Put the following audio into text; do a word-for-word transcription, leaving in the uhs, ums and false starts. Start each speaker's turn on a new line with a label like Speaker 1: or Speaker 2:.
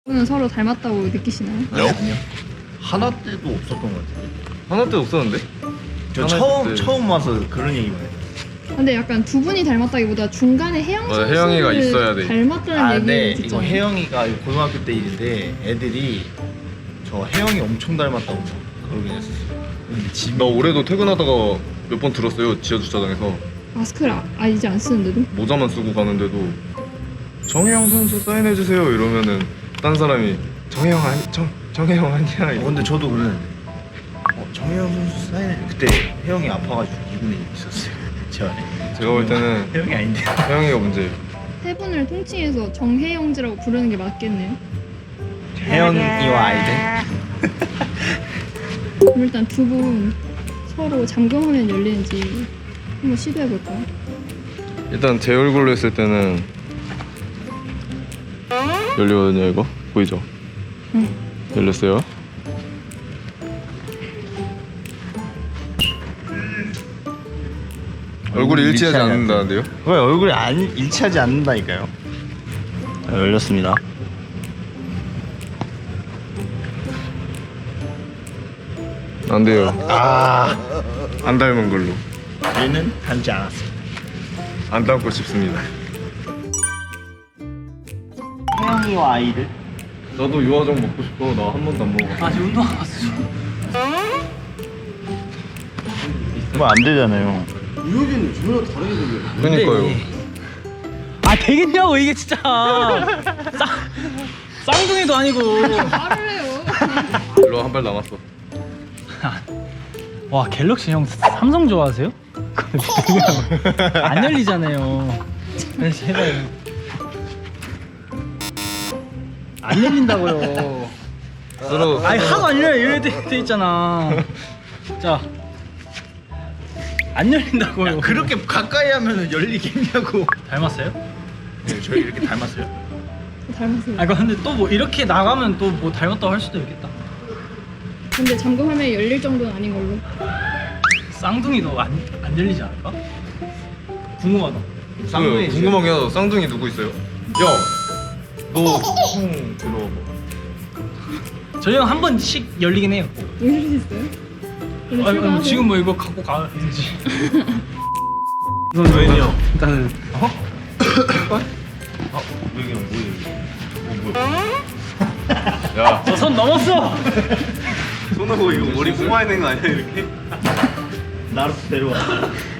Speaker 1: 는 서로 닮았다고 느끼시나요?
Speaker 2: 아니요? 하나 때도 없었던 것 같은데.
Speaker 3: 하나 때도 없었는데?
Speaker 2: 저
Speaker 3: 하나
Speaker 2: 처음
Speaker 3: 때.
Speaker 2: 처음 와서 그런 얘기만 해요.
Speaker 1: 근데 약간 두 분이 닮았다기보다 중간에 혜영
Speaker 3: 맞아, 혜영이가
Speaker 1: 선수를
Speaker 3: 있어야 돼.
Speaker 1: 닮았다는
Speaker 2: 아,
Speaker 1: 얘기를
Speaker 2: 네. 이거
Speaker 1: 듣잖아요.
Speaker 2: 혜영이가 고등학교 때 일인데 애들이 저 혜영이 엄청 닮았다고 막 그러긴 했었어요. 근데 집
Speaker 3: 나 올해도 퇴근하다가 몇 번 들었어요. 지하 주차장에서
Speaker 1: 마스크를 아, 아 이제 안 쓰는데도?
Speaker 3: 모자만 쓰고 가는데도 정혜영 선수 사인해 주세요 이러면은 딴 사람이 정혜영 아니 정 정혜영 아니야.
Speaker 2: 어,
Speaker 3: 이러-
Speaker 2: 근데 저도 그랬는데 어, 정혜영 선수 사인해. 그때 혜영이 아파가지고 이분이 있었어요. 제 안에.
Speaker 3: 제가 볼 때는
Speaker 2: 혜영이 아닌데.
Speaker 3: 혜영이가 문제예요.
Speaker 1: 세 분을 통칭해서 정혜영지라고 부르는 게 맞겠네요.
Speaker 2: 혜영이와 아이들.
Speaker 1: 그럼 일단 두 분 서로 잠금하면 열리는지 한번 시도해 볼까요?
Speaker 3: 일단 제 얼굴로 했을 때는 열리거든요. 이거 보이죠?
Speaker 1: 응.
Speaker 3: 열렸어요. 얼굴이 일치하지 않는다는데요?
Speaker 2: 왜 얼굴이 안 일치하지 않는다니까요? 자, 열렸습니다.
Speaker 3: 안 돼요.
Speaker 2: 아,
Speaker 3: 안 닮은 걸로.
Speaker 2: 얘는 닮지 않았습니다.
Speaker 3: 안 닮고 싶습니다.
Speaker 2: 혜영이와 아이들.
Speaker 3: 나도 유화정 먹고 싶어. 나 한 번도 안 먹어.
Speaker 4: 아직 운동 안 갔어.
Speaker 2: 그거 안 되잖아요.
Speaker 3: 그러니까요.
Speaker 4: 아 되겠냐고 이게 진짜. 쌍 쌍둥이도 아니고.
Speaker 1: 말을 해요.
Speaker 3: 일로 한 발 남았어.
Speaker 4: 와 갤럭시 형 삼성 좋아하세요? 안 열리잖아요. 그래서 해봐요. 안 열린다고요.
Speaker 3: 서로
Speaker 4: 아니 하도 안 열려 이래 돼, 돼 있잖아. 자. 안 열린다고요.
Speaker 2: 그렇게 가까이 하면 열리겠냐고.
Speaker 4: 닮았어요?
Speaker 2: 네, 저희 이렇게 닮았어요.
Speaker 1: 닮았어요.
Speaker 4: 아 근데 또 뭐 이렇게 나가면 또 뭐 닮았다고 할 수도 있겠다.
Speaker 1: 근데 잠금하면 열릴 정도는 아닌 걸로.
Speaker 4: 쌍둥이도 안, 안 열리지 않을까? 궁금하다.
Speaker 3: 쌍둥이 궁금한 게 하나. 쌍둥이 누구 있어요? 야, 너형 들어봐.
Speaker 4: 저희 형 한 번씩 열리긴 해요.
Speaker 1: 열릴 수 있어요? 근데
Speaker 4: 아니, 아니,
Speaker 1: 출발하세요?
Speaker 4: 지금 뭐 이거 갖고 가야 되지.
Speaker 3: 이건 왜냐?
Speaker 4: 일단은
Speaker 2: 어? 아, 뭐 이게 뭐예요? 뭐 뭐야?
Speaker 3: 야,
Speaker 4: 저 선 넘었어.
Speaker 3: 손하고 이거 머리 뽑아야 되는 거 아니야 이렇게?
Speaker 2: 나로 데려와.